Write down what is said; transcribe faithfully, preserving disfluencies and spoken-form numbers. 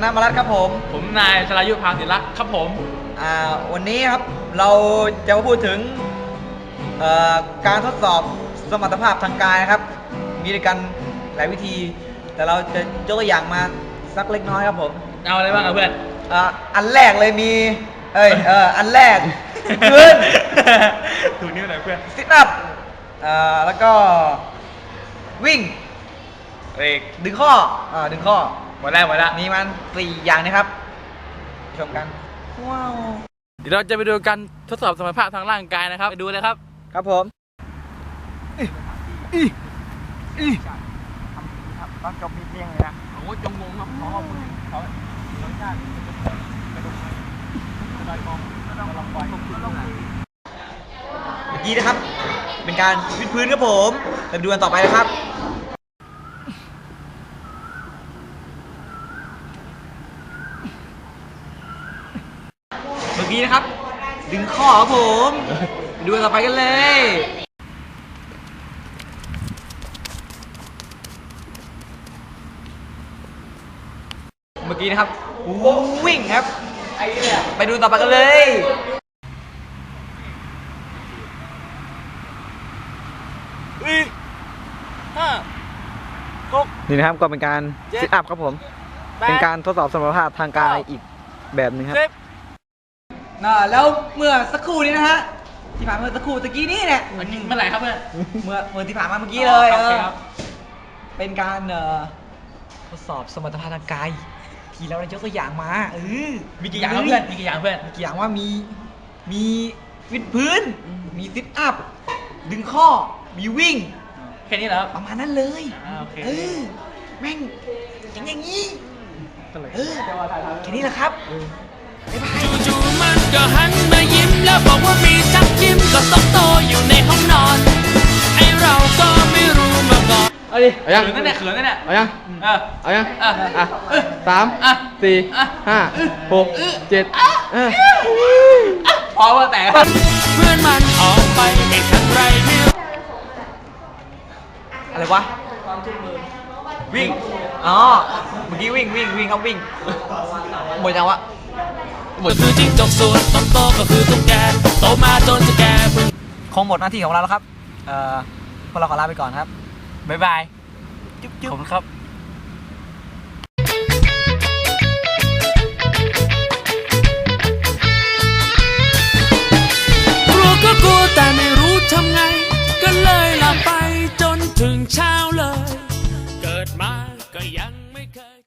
นามารัตครับผมผมนายชลายุทธพาศิลักษ์ครับผมอ่าวันนี้ครับเราจะมาพูดถึงการทดสอบสมรรถภาพทางกายนะครับมีด้วยกันหลายวิธีแต่เราจะยกตัวอย่างมาสักเล็กน้อยครับผมเอาอะไรบ้างครับเพื่อนอ่าอันแรกเลยมีเอ้ยเอออันแรกขึ้นถูนิ้วหน่อยเพื่อนซิทอัพอ่าแล้วก็วิ่งเอกดึงข้ออ่าดึงข้อหมดแล้วหมดแล้วมีมันสี่อย่างนะครับชมกันว้าวเดี๋ยวเราจะไปดูกันทดสอบสมรรถภาพทางร่างกายนะครับไปดูเลยครับครับผมอีอีอีตอนจบมีเพียงเลยนะโอ้ยจงงงครับขอขอบคุณเขารสชาติกระดูกกระดอยมองก็ต้องลองปล่อยก็ต้องเมื่อกี้นะครับเป็นการวิดพื้นครับผมไปดูกันต่อไปนะครับเมื่อกี้นะครับดึงข้อครับผมไปดูกันต่อไปกันเลยเมื่อกี้นะครับวิ่งครับไปดูต่อไปกันเลยห้าหกนี่นะครับก็เป็นการซิทอัพครับผมเป็นการทดสอบสมรรถภาพทางกายอีกแบบนึงครับน่าแล้วเมื่อสักครู่นี้นะฮะที่ผ่านเมื่อสักครู่ตะกี้นี้เนี่ยเมื่อไหร่ครับเพื่อนเมื่อเมื่อที่ผ่านมาเมื่อกี้เลยเออเป็นการทดสอบสมรรถภาพทางกายที่เราได้ยกตัวอย่างมาเออมีกี่อย่างเพื่อนมีกี่อย่างเพื่อนมีกี่อย่างว่ามีมีวิดพื้นมีซิทอัพดึงข้อมีวิ่งแค่นี้เหรอประมาณนั้นเลยเออแม่งอย่างอย่างนี้เออแค่นี้แหละครับบ๊ายบายจู่ๆมันก็หันมายิ้มแล้วบอกว่ามีจักยิ้มก็ตกโตอยู่ในห้องนอนไอเราก็ไม่รู้มาก่อนเอาดิเอายังเขินนั่นแหละเขินนั่นแหละเอายังเออเอายังอ่ะอ่ะสามสี่ห้าหกเจ็ดพอว่าแต่เพื่อนมันออกไปแต่ครั้งไรไม่รู้อะไรวะวิ่งอ๋อเมื่อกี้วิ่งวิ่งวิ่งครับวิ่งหมดยังวะก็คือจิ้งจกส่วนโตก็คือตุ๊กแกโตมาจนจะแก่พึ่งคงหมดหน้าที่ของเราแล้วครับเอ่อพวกเราขอลาไปก่อนครับบ๊ายบายจุ๊บจุ๊บขอบคุณครับกลัวก็กลัวแต่ไม่รู้ทำไงก็เลยหลับไปจนถึงเช้าเลยเกิดมาก็ยังไม่เคย